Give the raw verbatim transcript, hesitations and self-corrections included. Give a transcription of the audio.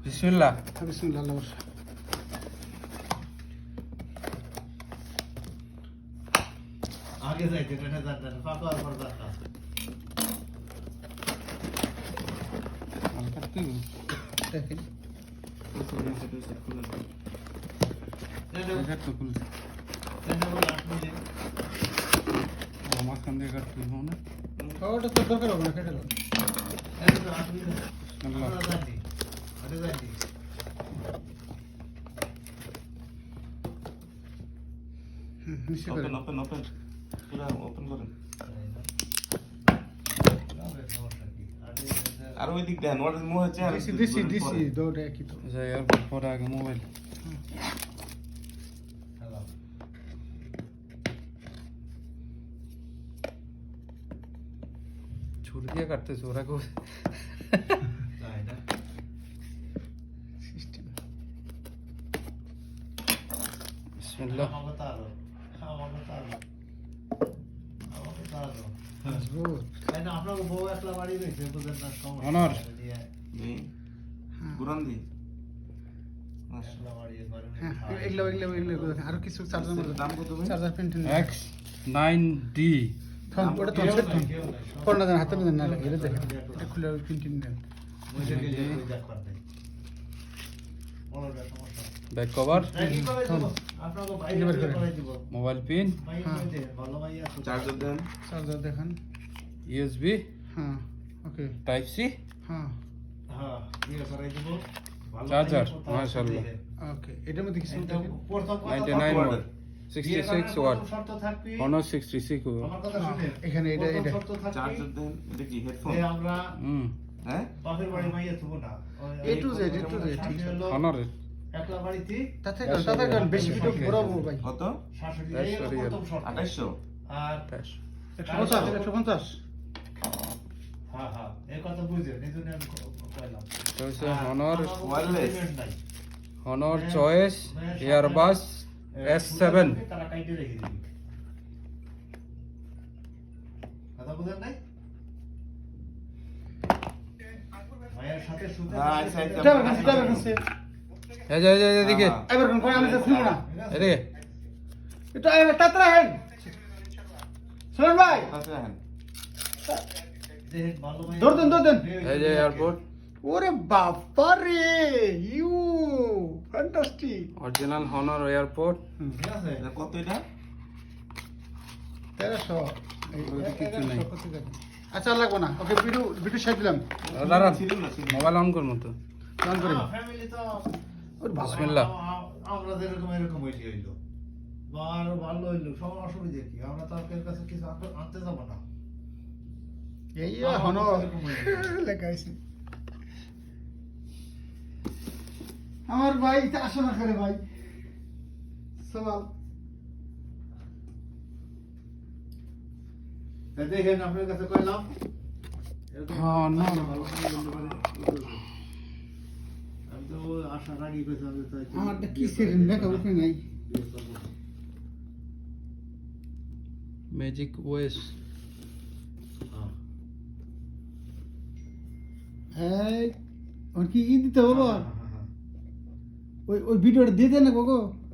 বিসমিল্লাহ। বিসমিল্লাহ আল্লাহ বর্ষা। আগে যাইতে এটা জানতেন ফাঁকা আর পর জানতাম হালকা তুই দেখেন এটা তো খুলছে মাঝখান দিয়ে কাটতে হবে না ওটা তো দরকার হবে না কেটে দাও ওপেন ওপেন ওপেন পুরো ওপেন করেন আর ওই দিক দেন ওর মুখ হচ্ছে আর ডিসি ডিসি ডিসি দৌড়ে কি তো যাই আর পরে আগে মোবাইল ছুরি দিয়ে কাটতেছে ওরা কেউ সিস্টেম বিসমিল্লাহ। আপনার বউ একলা বাড়ি রয়েছে বুঝেন না অনর। গুরান দি হ্যাঁ এগুলো এগুলো এগুলো আর কিছু চার্জার দাম কত ভাই charger pen ten X nine D. Phone ওটা তো সেট ফোন ফোন না হাতে না না লাগে এটা দেখেন এটা খুলে পেন টেন দেন back cover, mobile pin, charger দেন চার্জার দেখেন ইউএসবি, হ্যাঁ ওকে টাইপ সি, হ্যাঁ চার্জার মাশাআল্লাহ ওকে এটার মধ্যে কিছু দেখেন ninety nine watt, sixty six watt, Honor sixty six watt. এখানে এটা এটা চার্জার দেন এটা কি হেডফোন আমরা হুম হ্যাঁ বাপের বাড়ি মাইয়া থবো না A to Z, A to Z, ঠিক আছে। Honor একলা বাড়িতে তাতে কারণ তাতে কারণ বেশি ভিডিও বড় ভাই কত শাশুড়ি That's এই very প্রথম শর্ত আঠাইশশো আর ক্যাশ একশো পঞ্চাশ একশো পঞ্চাশ হ্যাঁ হ্যাঁ এই কথা বুঝে নিজনে আমি কইলাম তো হচ্ছে Honor wireless। Honor choice earbuds S seven. তারা কাইটে রেখে দিবি কথা বুঝেন নাই মায়ের সাথে শুতে হ্যাঁ আচ্ছা আচ্ছা এটা কাছে এটা কাছে এই যে এই যে এদিকে এবার কোন আমি তো শুনবো না এদিকে এটা এবার তাতরা হেন শুনুন ভাই কাছে রাখেন যে ভালো মাইয়া দৌড় দেন দৌড় দেন এই যে এয়ারপোর্ট ওরে বাবা রে you fantastic original Honor airport. ঠিক আছে এটা কত এটা তেরোশো ওইদিকে কিছু নাই। আচ্ছা আর লাগবো না ওকে ভিডিও ভিডিও শেয়ার দিলাম দাঁড়া ছিল না ছিল মোবাইল অন করবো তো। অন করি ফ্যামিলি তো ওর বাবা বিসমিল্লাহ। আমরা যেরকম এরকম হইলি হইলো বা আরো ভালো হইলো সব অসুবিধা কি আমরা তো আপনার কাছে কিছু আনতে- আনতে যাবো না এই হনো লেখা আছে আমার ভাই আসো না করে ভাই সবাল তা দেখেন আপনার কাছে কইলাম এরকম হ্যাঁ, না। ভালো করে বলতে পারি। আমি তো আশা রাগি কইছি আমি তো আমারটা কি সেরেন দেখা উঠে নাই ম্যাজিক ওয়েস হ্যাঁ ওর কি ই দিতে হবে ওই ওই ভিডিওটা দিয়ে দেন না গো